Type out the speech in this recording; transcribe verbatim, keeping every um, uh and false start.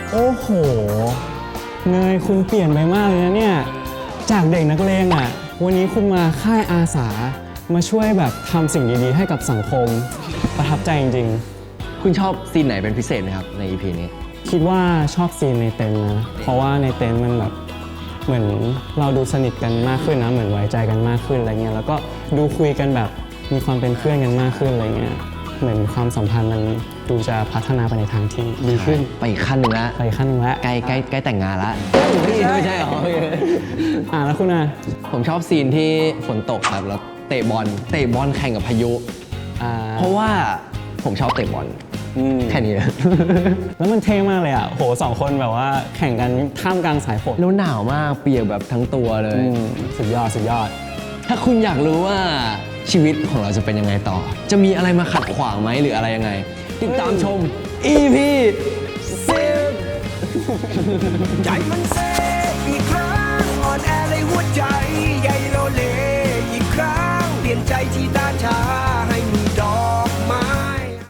โอ้โหเนยคุณเปลี่ยนไปมากเลยนะเนี่ยจากเด็กนักเลงอ่ะวันนี้คุณมาค่ายอาสามาช่วยแบบทำสิ่งดีๆให้กับสังคมประทับใจจริงๆคุณชอบซีนไหนเป็นพิเศษไหมครับใน อี พี นี้คิดว่าชอบซีนในเต็นท์นะเพราะว่าในเต็นท์มันแบบเหมือนเราดูสนิทกันมากขึ้นนะเหมือนไว้ใจกันมากขึ้นอะไรเงี้ยแล้วก็ดูคุยกันแบบมีความเป็นเพื่อนกันมากขึ้นอะไรเงี้ยเหมือนความสัมพันธ์มันดูจะพัฒนาไปในทางที่ดีขึ้นไปอีกขั้นหนึ่งละไปขั้นหนึ่งละใกล้ใกล้ใกล้แต่งงานละไม่ใช่หรออ่าแล้วคุณอ่ะผมชอบซีนที่ฝนตกครับแล้วเตะบอลเตะบอลแข่งกับพายุเพราะว่าผมชอบเตะบอลแค่นี้แล้วมันเท่มากเลยอ่ะโหสองคนแบบว่าแข่งกันท่ามกลางสายฝนแล้วหนาวมากเปียกแบบทั้งตัวเลยสุดยอดสุดยอดถ้าคุณอยากรู้ว่าชีวิตของเราจะเป็นยังไงต่อจะมีอะไรมาขัดขวางไหมหรืออะไรยังไงติดตามชม อี พี สิบใจมันเซอีกครั้งอ่อนแอเลยหัวใจใหญ่โลเลอีกครั้งเปลี่ยนใจที่